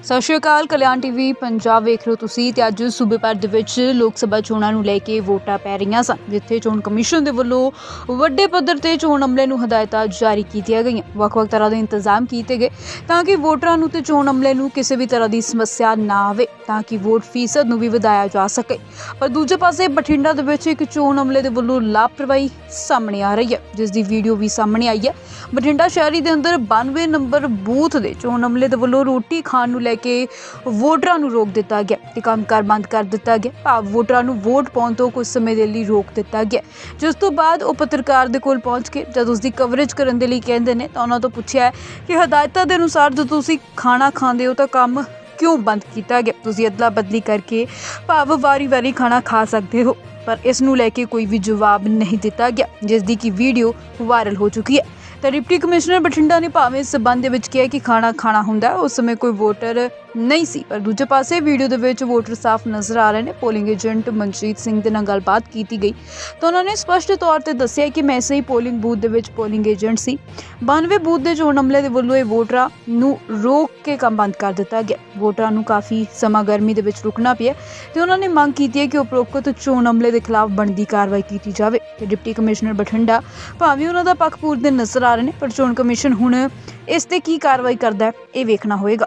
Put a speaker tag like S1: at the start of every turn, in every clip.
S1: ਸਤਿ ਸ਼੍ਰੀ ਅਕਾਲ। ਕਲਿਆਣ ਟੀਵੀ ਪੰਜਾਬ ਵੇਖ ਰਹੇ ਹੋ ਤੁਸੀਂ ਤੇ ਅੱਜ ਸੂਬੇ ਭਰ ਦੇ ਵਿੱਚ ਲੋਕ ਸਭਾ ਚੋਣਾਂ ਨੂੰ ਲੈ ਕੇ ਵੋਟਾਂ ਪੈ ਰਹੀਆਂ ਸਨ, ਜਿੱਥੇ ਚੋਣ ਕਮਿਸ਼ਨ ਦੇ ਵੱਲੋਂ ਵੱਡੇ ਪੱਧਰ ਤੇ ਚੋਣ ਅਮਲੇ ਨੂੰ ਹਦਾਇਤਾਂ ਜਾਰੀ ਕੀਤੀਆਂ ਗਈਆਂ। ਵੱਖ-ਵੱਖ ਤਰ੍ਹਾਂ ਦੇ ਇੰਤਜ਼ਾਮ ਕੀਤੇ ਗਏ ਤਾਂ ਕਿ ਵੋਟਰਾਂ ਨੂੰ ਤੇ ਚੋਣ ਅਮਲੇ ਨੂੰ ਕਿਸੇ ਵੀ ਤਰ੍ਹਾਂ ਦੀ ਸਮੱਸਿਆ ਨਾ ਆਵੇ, ਤਾਂ ਕਿ ਵੋਟ ਫੀਸਦ ਨੂੰ ਵੀ ਵਧਾਇਆ ਜਾ ਸਕੇ। ਪਰ ਦੂਜੇ ਪਾਸੇ ਬਠਿੰਡਾ ਦੇ ਵਿੱਚ ਇੱਕ ਚੋਣ ਅਮਲੇ ਦੇ ਵੱਲੋਂ ਲਾਪਰਵਾਹੀ ਸਾਹਮਣੇ ਆ ਰਹੀ ਹੈ, ਜਿਸ ਦੀ ਵੀਡੀਓ ਵੀ ਸਾਹਮਣੇ ਆਈ ਹੈ। ਬਠਿੰਡਾ ਸ਼ਹਿਰੀ ਦੇ ਅੰਦਰ 92 ਨੰਬਰ ਬੂਥ ਦੇ ਚੋਣ ਅਮਲੇ ਦੇ ਵੱਲੋਂ ਰੋਟੀ ਖਾਣ ਨੂੰ ਲੈ ਕੇ ਵੋਟਰਾਂ ਨੂੰ ਰੋਕ ਦਿੱਤਾ ਗਿਆ ਤੇ ਕੰਮਕਾਰ ਬੰਦ ਕਰ ਦਿੱਤਾ ਗਿਆ। ਭਾਵ ਵੋਟਰਾਂ ਨੂੰ ਵੋਟ ਪਾਉਣ ਤੋਂ ਕੁਝ ਸਮੇਂ ਦੇ ਲਈ ਰੋਕ ਦਿੱਤਾ ਗਿਆ, ਜਿਸ ਤੋਂ ਬਾਅਦ ਉਹ ਪੱਤਰਕਾਰ ਦੇ ਕੋਲ ਪਹੁੰਚ ਕੇ ਜਦ ਉਸ ਦੀ ਕਵਰੇਜ ਕਰਨ ਦੇ ਲਈ ਕਹਿੰਦੇ ਨੇ ਤਾਂ ਉਹਨਾਂ ਤੋਂ ਪੁੱਛਿਆ ਕਿ ਹਦਾਇਤਾਂ ਦੇ ਅਨੁਸਾਰ ਜਦੋਂ ਤੁਸੀਂ ਖਾਣਾ ਖਾਂਦੇ ਹੋ ਤਾਂ ਕੰਮ ਕਿਉਂ ਬੰਦ ਕੀਤਾ ਗਿਆ? ਤੁਸੀਂ ਅਦਲਾ ਬਦਲੀ ਕਰਕੇ ਭਾਵ ਵਾਰੀ-ਵਾਰੀ ਖਾਣਾ ਖਾ ਸਕਦੇ ਹੋ, ਪਰ ਇਸ ਨੂੰ ਲੈ ਕੇ ਕੋਈ ਵੀ ਜਵਾਬ ਨਹੀਂ ਦਿੱਤਾ ਗਿਆ, ਜਿਸ ਦੀ ਕਿ ਵੀਡੀਓ ਵਾਇਰਲ ਹੋ ਚੁੱਕੀ ਹੈ। ਤਾਂ ਡਿਪਟੀ ਕਮਿਸ਼ਨਰ ਬਠਿੰਡਾ ਨੇ ਭਾਵੇਂ ਇਸ ਸਬੰਧ ਦੇ ਵਿੱਚ ਕਿਹਾ ਕਿ ਖਾਣਾ ਖਾਣਾ ਹੁੰਦਾ, ਉਸ ਸਮੇਂ ਕੋਈ ਵੋਟਰ ਨਹੀਂ ਸੀ, ਪਰ ਦੂਜੇ ਪਾਸੇ ਵੀਡੀਓ ਦੇ ਵਿੱਚ ਵੋਟਰ ਸਾਫ਼ ਨਜ਼ਰ ਆ ਰਹੇ ਨੇ। ਪੋਲਿੰਗ ਏਜੰਟ ਮਨਜੀਤ ਸਿੰਘ ਦੇ ਨਾਲ ਗੱਲਬਾਤ ਕੀਤੀ ਗਈ ਤਾਂ ਉਹਨਾਂ ਨੇ ਸਪਸ਼ਟ ਤੌਰ ਤੇ ਦੱਸਿਆ ਕਿ ਮੈਂ ਇਸੇ ਹੀ ਪੋਲਿੰਗ ਬੂਥ ਦੇ ਵਿੱਚ ਪੋਲਿੰਗ ਏਜੰਟ ਸੀ। 92 ਬੂਥ ਦੇ ਚੋਣ ਅਮਲੇ ਦੇ ਵੱਲੋਂ ਇਹ ਵੋਟਰਾਂ ਨੂੰ ਰੋਕ ਕੇ ਕੰਮ ਬੰਦ ਕਰ ਦਿੱਤਾ ਗਿਆ। ਵੋਟਰਾਂ ਨੂੰ ਕਾਫੀ ਸਮਾਂ ਗਰਮੀ ਦੇ ਵਿੱਚ ਰੁਕਣਾ ਪਿਆ ਤੇ ਉਹਨਾਂ ਨੇ ਮੰਗ ਕੀਤੀ ਹੈ ਕਿ ਉਪਰੋਕਤ ਚੋਣ ਅਮਲੇ ਦੇ ਖਿਲਾਫ ਬਣਦੀ ਕਾਰਵਾਈ ਕੀਤੀ ਜਾਵੇ। ਤੇ ਡਿਪਟੀ ਕਮਿਸ਼ਨਰ ਬਠਿੰਡਾ ਭਾਵੇਂ ਉਹਨਾਂ ਦਾ ਪੱਖ ਪੂਰਦੇ ਨਜ਼ਰ ਆ ਰਹੇ ਨੇ, ਪਰ ਚੋਣ ਕਮਿਸ਼ਨ ਹੁਣ ਇਸ ਤੇ ਕੀ ਕਾਰਵਾਈ ਕਰਦਾ ਹੈ ਇਹ ਵੇਖਣਾ ਹੋਏਗਾ।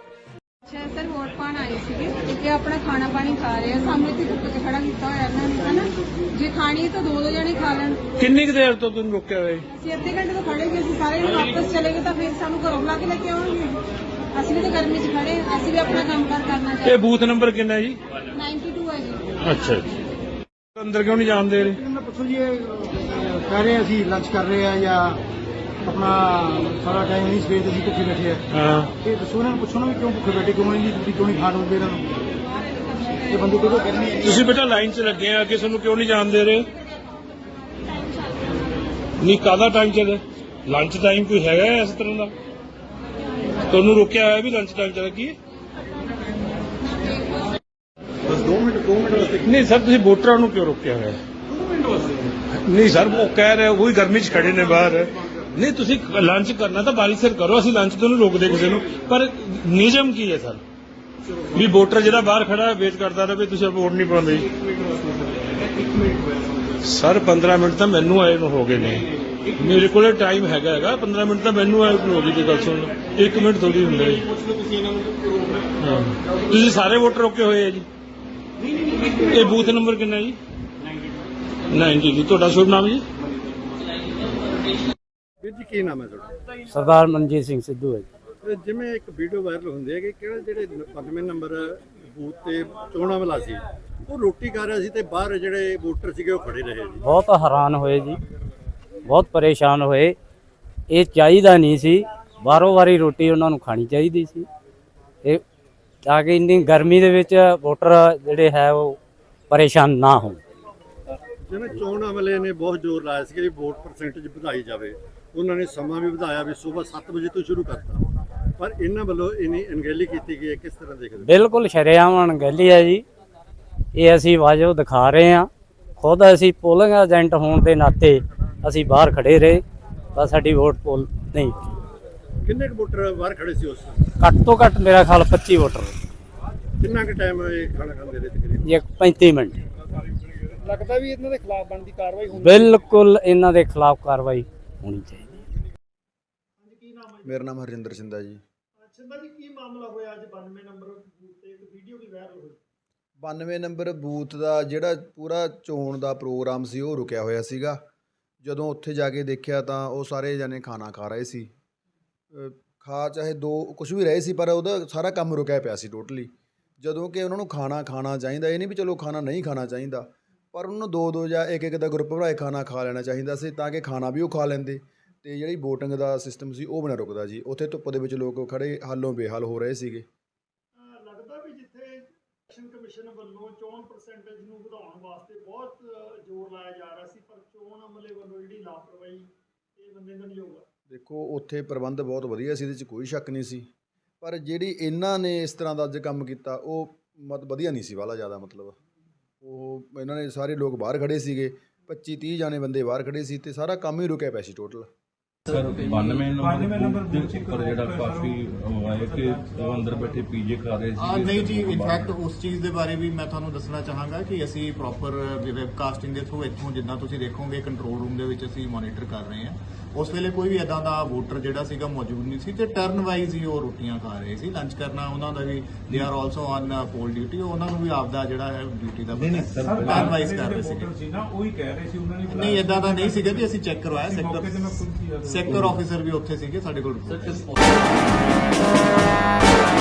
S2: ਸਰ ਵੋਟ ਪਾਣ ਆਏ ਸੀਗੇ ਤੇ ਆਪਣਾ ਖਾਣਾ ਪਾਣੀ ਖਾ ਰਹੇ ਆ, ਸਾਹਮਣੇ ਤੇ ਧੁੱਪ 'ਚ ਖੜਾ ਕੀਤਾ ਹੋਇਆ ਇਹਨਾਂ ਨੇ, ਹਨਾ। ਜੇ ਖਾਣੀ ਤਾਂ ਦੋ ਜਣੇ ਖਾ ਲੈਣ।
S3: ਕਿੰਨੀ ਕੁ ਦੇਰ ਤੋਂ ਤੁਹਾਨੂੰ ਰੁਕਿਆ ਹੋਇਆ?
S2: ਅਸੀਂ ਅੱਧੇ ਘੰਟੇ ਤੋਂ ਖੜੇ ਗਏ, ਅਸੀਂ ਸਾਰੇ ਨੂੰ ਵਾਪਸ ਚਲੇ ਗਏ ਤਾਂ ਫਿਰ ਸਾਨੂੰ ਘਰੋਂ ਬੁਲਾ ਕੇ ਲੈ ਕੇ ਆਉਣਗੇ। ਅਸੀਂ ਵੀ ਤਾਂ ਗਰਮੀ 'ਚ ਖੜੇ, ਅਸੀਂ ਵੀ ਆਪਣਾ ਕੰਮਕਾਰ ਕਰਨਾ ਚਾਹੀਦਾ।
S3: ਇਹ ਬੂਥ ਨੰਬਰ ਕਿੰਨਾ ਹੈ ਜੀ?
S2: 92 ਹੈ ਜੀ।
S3: ਅੱਛਾ ਜੀ। ਅੰਦਰ ਕਿਉਂ ਨਹੀਂ ਜਾਣ ਦੇ ਰਹੇ?
S4: ਪੁੱਛੋ ਜੀ, ਇਹ ਕਹਿ ਰਹੇ ਅਸੀਂ ਲੰਚ ਕਰ ਰਹੇ ਆ ਜਾਂ ਆਪਣਾ ਸਾਰਾ ਟਾਈਮ ਨਹੀਂ ਸਵੇਰ ਦੇ ਅਸੀਂ ਭੁੱਖੇ ਬੈਠੇ ਆ।
S3: ਹਾਂ,
S4: ਇਹ ਦੱਸੋ ਇਹਨਾਂ ਨੂੰ, ਪੁੱਛੋ ਨਾ ਵੀ ਕਿਉਂ ਭੁੱਖੇ ਬੈਠੇ, ਕਿਉਂ ਨਹੀਂ ਜੀ, ਤੁਸੀਂ ਕਿਉਂ ਨਹੀਂ ਖਾਣ ਦਿੰਦੇ ਇਹਨਾਂ ਨੂੰ? ਇਹ ਬੰਦੇ ਕਿਉਂ ਕਹਿੰਦੇ ਆ?
S3: ਤੁਸੀਂ ਬੇਟਾ ਲਾਈਨ 'ਚ ਲੱਗੇ ਆ, ਕਿਸੇ ਨੂੰ ਕਿਉਂ ਨਹੀਂ ਜਾਣ ਦੇ ਰਹੇ? ਨਹੀਂ, ਕਾਹਦਾ ਟਾਈਮ ਚੱਲ? ਲੰਚ ਟਾਈਮ ਕੋਈ ਹੈਗਾ ਇਸ ਤਰ੍ਹਾਂ ਦਾ? ਤੁਹਾਨੂੰ ਰੋਕਿਆ ਹੋਇਆ ਵੀ ਲੰਚ ਟਾਈਮ ਚੱਲ ਕੀ?
S4: ਬਸ 2 ਮਿੰਟ ਵਾਸਤੇ।
S3: ਨਹੀਂ ਸਰ, ਤੁਸੀਂ ਵੋਟਰਾਂ ਨੂੰ ਕਿਉਂ ਰੋਕਿਆ ਹੋਇਆ?
S4: 2 ਮਿੰਟ ਵਾਸਤੇ
S3: ਨਹੀਂ ਸਰ, ਉਹ ਕਹਿ ਰਹੇ ਉਹੀ ਗਰਮੀ 'ਚ ਖੜੇ ਨੇ ਬਾਹਰ। ਨਹੀਂ, ਤੁਸੀਂ ਲੰਚ ਕਰਨਾ ਤਾਂ ਬਾਰੀ ਸਿਰ ਕਰੋ, ਅਸੀਂ ਲੰਚ ਤੋਂ ਨਹੀਂ ਰੋਕਦੇ ਕਿਸੇ ਨੂੰ, ਪਰ ਨਿਯਮ ਕੀ ਹੈ ਸਰ ਵੀ ਵੋਟਰ ਜਿਹੜਾ ਬਾਹਰ ਖੜਾ ਵੇਟ ਕਰਦਾ ਰਹੇ, ਤੁਸੀਂ ਵੋਟ ਨਹੀਂ ਪਾਉਂਦੇ? ਸਰ 15 ਮਿੰਟ ਤਾਂ ਮੈਨੂੰ ਆਏ ਨੂੰ ਹੋ ਗਏ ਨੇ, ਮੇਰੇ ਕੋਲੇ ਟਾਈਮ ਹੈਗਾ 15 ਮਿੰਟ ਤਾਂ ਮੈਨੂੰ ਆਏ ਨੂੰ ਹੋ ਗਈ। ਜੀ ਗੱਲ ਸੁਣ ਲਓ, 1 ਮਿੰਟ ਥੋੜੀ ਹੁੰਦਾ ਜੀ। ਹਾਂ, ਤੁਸੀਂ ਸਾਰੇ ਵੋਟਰ ਰੋਕੇ ਹੋਏ ਆ ਜੀ। ਇਹ ਬੂਥ ਨੰਬਰ ਕਿੰਨਾ ਜੀ? 90 ਜੀ। ਤੁਹਾਡਾ ਸ਼ੁਭ ਨਾਮ ਜੀ?
S4: ਵੀਰ ਜੀ ਕੀ ਨਾਮ ਹੈ ਤੁਹਾਡਾ?
S5: ਸਰਦਾਰ ਮਨਜੀਤ ਸਿੰਘ ਸਿੱਧੂ ਹੈ ਜੀ।
S4: ਜਿਵੇਂ ਇੱਕ ਵੀਡੀਓ ਵਾਇਰਲ ਹੁੰਦੀ ਹੈ ਕਿ ਕਿਹੜਾ ਜਿਹੜੇ 95 ਨੰਬਰ ਬੂਥ ਤੇ ਚੋਣਾਂ ਵਾਲਾ ਸੀ ਉਹ ਰੋਟੀ ਖਾ ਰਿਹਾ ਸੀ ਤੇ ਬਾਹਰ ਜਿਹੜੇ ਵੋਟਰ ਸੀਗੇ ਉਹ ਖੜੇ ਰਹੇ ਜੀ।
S5: ਬਹੁਤ ਹੈਰਾਨ ਹੋਏ ਜੀ, ਬਹੁਤ ਪਰੇਸ਼ਾਨ ਹੋਏ। ਇਹ ਚਾਹੀਦਾ ਨਹੀਂ ਸੀ, ਬਾਰੋ ਵਾਰੀ ਰੋਟੀ ਉਹਨਾਂ ਨੂੰ ਖਾਣੀ ਚਾਹੀਦੀ ਸੀ, ਇਹ ਤਾਂ ਕਿ ਇੰਨੀ ਗਰਮੀ ਦੇ ਵਿੱਚ ਵੋਟਰ ਜਿਹੜੇ ਹੈ ਉਹ ਪਰੇਸ਼ਾਨ ਨਾ ਹੋਣ।
S4: ਜਿਵੇਂ ਚੋਣ ਅਮਲੇ ਨੇ ਬਹੁਤ ਜ਼ੋਰ ਲਾਇਆ ਸੀ ਕਿ ਵੋਟ ਪਰਸੈਂਟੇਜ ਵਧਾਈ ਜਾਵੇ, ਉਹਨਾਂ ਨੇ ਸਮਾਂ ਵੀ ਵਧਾਇਆ ਵੀ ਸਵੇਰ 7 ਵਜੇ ਤੋਂ ਸ਼ੁਰੂ ਕਰਤਾ, ਪਰ ਇਹਨਾਂ ਵੱਲੋਂ ਇਨੀ ਅਣਗਹਿਲੀ ਕੀਤੀ ਗਈ ਹੈ, ਕਿਸ ਤਰ੍ਹਾਂ ਦੇਖਦੇ?
S5: ਬਿਲਕੁਲ ਸ਼ਰੇਆਮ ਅਣਗਹਿਲੀ ਹੈ ਜੀ। ਇਹ ਅਸੀਂ ਵਾਜਬ ਦਿਖਾ ਰਹੇ ਹਾਂ, ਖੁਦ ਅਸੀਂ ਪੋਲਿੰਗ ਏਜੰਟ ਹੋਣ ਦੇ ਨਾਤੇ ਅਸੀਂ ਬਾਹਰ ਖੜੇ ਰਹੇ, ਪਰ ਸਾਡੀ ਵੋਟ ਪੋਲ ਨਹੀਂ।
S4: ਕਿੰਨੇ ਕੁ ਵੋਟਰ ਬਾਹਰ ਖੜੇ ਸੀ ਉਸ?
S5: ਘੱਟ ਤੋਂ ਘੱਟ ਮੇਰਾ ਖਿਆਲ 25 ਵੋਟਰ।
S4: ਕਿੰਨਾ ਕੁ ਟਾਈਮ ਇਹ ਖਾਣਾ ਖਾਂਦੇ ਰਹੇ ਤਕਰੀਬਨ?
S5: ਇਹ 35 ਮਿੰਟ।
S4: ਲੱਗਦਾ ਵੀ ਇਹਨਾਂ ਦੇ ਖਿਲਾਫ ਬਣਦੀ ਕਾਰਵਾਈ ਹੋਣੀ?
S5: ਬਿਲਕੁਲ ਇਹਨਾਂ ਦੇ ਖਿਲਾਫ ਕਾਰਵਾਈ ਹੋਣੀ ਚਾਹੀਦੀ।
S6: ਮੇਰਾ ਨਾਮ ਹਰਜਿੰਦਰ ਸਿੰਧਾ ਜੀ।
S4: ਸਿੰਧਾ ਜੀ, ਕੀ ਮਾਮਲਾ ਹੋਇਆ ਅੱਜ 92 ਨੰਬਰ ਬੂਥ ਤੇ ਇੱਕ ਵੀਡੀਓ ਵੀ ਵਾਇਰਲ ਹੋਈ?
S6: 92 ਨੰਬਰ ਬੂਥ ਦਾ ਜਿਹੜਾ ਪੂਰਾ ਚੋਣ ਦਾ ਪ੍ਰੋਗਰਾਮ ਸੀ ਉਹ ਰੁਕਿਆ ਹੋਇਆ ਸੀਗਾ। ਜਦੋਂ ਉੱਥੇ ਜਾ ਕੇ ਦੇਖਿਆ ਤਾਂ ਉਹ ਸਾਰੇ ਜਣੇ ਖਾਣਾ ਖਾ ਰਹੇ ਸੀ, ਖਾ ਚਾਹੇ ਦੋ ਕੁਝ ਵੀ ਰਹੇ ਸੀ, ਪਰ ਉਹਦਾ ਸਾਰਾ ਕੰਮ ਰੁਕਿਆ ਪਿਆ ਸੀ ਟੋਟਲੀ। ਜਦੋਂ ਕਿ ਉਹਨਾਂ ਨੂੰ ਖਾਣਾ ਖਾਣਾ ਚਾਹੀਦਾ, ਇਹ ਨਹੀਂ ਵੀ ਚਲੋ ਖਾਣਾ ਨਹੀਂ ਖਾਣਾ ਚਾਹੀਦਾ, ਪਰ ਉਹਨਾਂ ਨੂੰ 2-2 ਜਾਂ 1-1 ਦਾ ਗਰੁੱਪ ਬਣਾਏ ਖਾਣਾ ਖਾ ਲੈਣਾ ਚਾਹੀਦਾ ਸੀ, ਤਾਂ ਕਿ ਖਾਣਾ ਵੀ ਉਹ ਖਾ ਲੈਂਦੇ ਤੇ ਜਿਹੜੀ VOTING ਦਾ ਸਿਸਟਮ ਸੀ ਉਹ ਬਿਨਾਂ ਰੁਕਦਾ ਜੀ। ਉੱਥੇ ਧੁੱਪ ਦੇ ਵਿੱਚ ਲੋਕ ਖੜੇ ਹਾਲੋਂ ਬੇਹਾਲ ਹੋ ਰਹੇ ਸੀਗੇ।
S4: ਲੱਗਦਾ ਵੀ ਜਿੱਥੇ ਇਲੈਕਸ਼ਨ ਕਮਿਸ਼ਨ ਵੱਲੋਂ ਚੋਣ ਪਰਸੈਂਟੇਜ ਨੂੰ ਵਧਾਉਣ ਵਾਸਤੇ ਬਹੁਤ ਜ਼ੋਰ ਲਾਇਆ ਜਾ ਰਿਹਾ ਸੀ, ਪਰ ਚੋਣ ਅਮਲੇ ਵੱਲੋਂ ਜਿਹੜੀ ਲਾਪਰਵਾਹੀ ਇਹ ਬੰਦੇ ਦਾ ਨਹੀਂ ਹੋਊਗਾ। ਦੇਖੋ, ਉੱਥੇ ਪ੍ਰਬੰਧ ਬਹੁਤ ਵਧੀਆ ਸੀ, ਇਹਦੇ 'ਚ ਕੋਈ ਸ਼ੱਕ ਨਹੀਂ ਸੀ, ਪਰ ਜਿਹੜੀ ਇਹਨਾਂ ਨੇ ਇਸ ਤਰ੍ਹਾਂ ਦਾ ਅੱਜ ਕੰਮ ਕੀਤਾ ਉਹ ਵਧੀਆ ਨਹੀਂ ਸੀ ਵਾਲਾ ਜ਼ਿਆਦਾ। ਮਤਲਬ ਉਹ ਇਹਨਾਂ ਨੇ ਸਾਰੇ ਲੋਕ ਬਾਹਰ ਖੜੇ ਸੀਗੇ, 25-30 ਜਾਣੇ ਬੰਦੇ ਬਾਹਰ ਖੜੇ ਸੀ ਤੇ ਸਾਰਾ ਕੰਮ ਹੀ ਰੁਕਿਆ ਪਿਆ ਸੀ ਟੋਟਲ।
S7: ਸਰ 92 ਨੰਬਰ ਬੂਥ ਦੇ ਉੱਪਰ ਜਿਹੜਾ ਕਾਫੀ ਉਹ ਆਇਆ ਕਿ ਉਹ ਅੰਦਰ ਬੈਠੇ ਪੀਜੇ ਖਾ ਰਹੇ ਸੀ।
S8: ਨਹੀਂ ਜੀ, ਇਨਫੈਕਟ ਉਸ ਚੀਜ਼ ਦੇ ਬਾਰੇ ਵੀ ਮੈਂ ਤੁਹਾਨੂੰ ਦੱਸਣਾ ਚਾਹਾਂਗਾ ਕਿ ਅਸੀਂ ਪ੍ਰੋਪਰ ਵੈਬਕਾਸਟਿੰਗ ਦੇ ਥਰੂ ਇੱਥੋਂ ਜਿੱਦਾਂ ਤੁਸੀਂ ਦੇਖੋਗੇ ਕੰਟਰੋਲ ਰੂਮ ਦੇ ਵਿੱਚ ਅਸੀਂ ਮੋਨੀਟਰ ਕਰ ਰਹੇ ਹਾਂ। ਉਸ ਵੇਲੇ ਕੋਈ ਵੀ ਇਦਾਂ ਦਾ ਵੋਟਰ ਜਿਹੜਾ ਸੀਗਾ ਮੌਜੂਦ ਨਹੀਂ ਸੀ ਤੇ ਟਰਨ ਵਾਈਜ਼ ਹੀ ਉਹ ਰੋਟੀਆਂ ਖਾ ਰਹੇ ਸੀ। ਲੰਚ ਕਰਨਾ ਉਹਨਾਂ ਦਾ ਵੀ they are also on poll duty, ਉਹਨਾਂ ਨੂੰ ਵੀ ਆਪਦਾ ਜਿਹੜਾ ਹੈ ਡਿਊਟੀ ਦਾ ਟਰਨ ਵਾਈਜ਼ ਕਰ ਰਹੇ ਸੀ ਨਾ, ਉਹੀ ਕਹਿ ਰਹੇ ਸੀ ਉਹਨਾਂ ਨੇ। ਨਹੀਂ ਇਦਾਂ ਦਾ ਨਹੀਂ ਸੀਗਾ ਜੀ, ਅਸੀਂ ਚੈੱਕ ਕਰਵਾਇਆ। ਸੈਕਟਰ ਆਫੀਸਰ ਵੀ ਉੱਥੇ ਸੀਗੇ ਸਾਡੇ ਕੋਲ।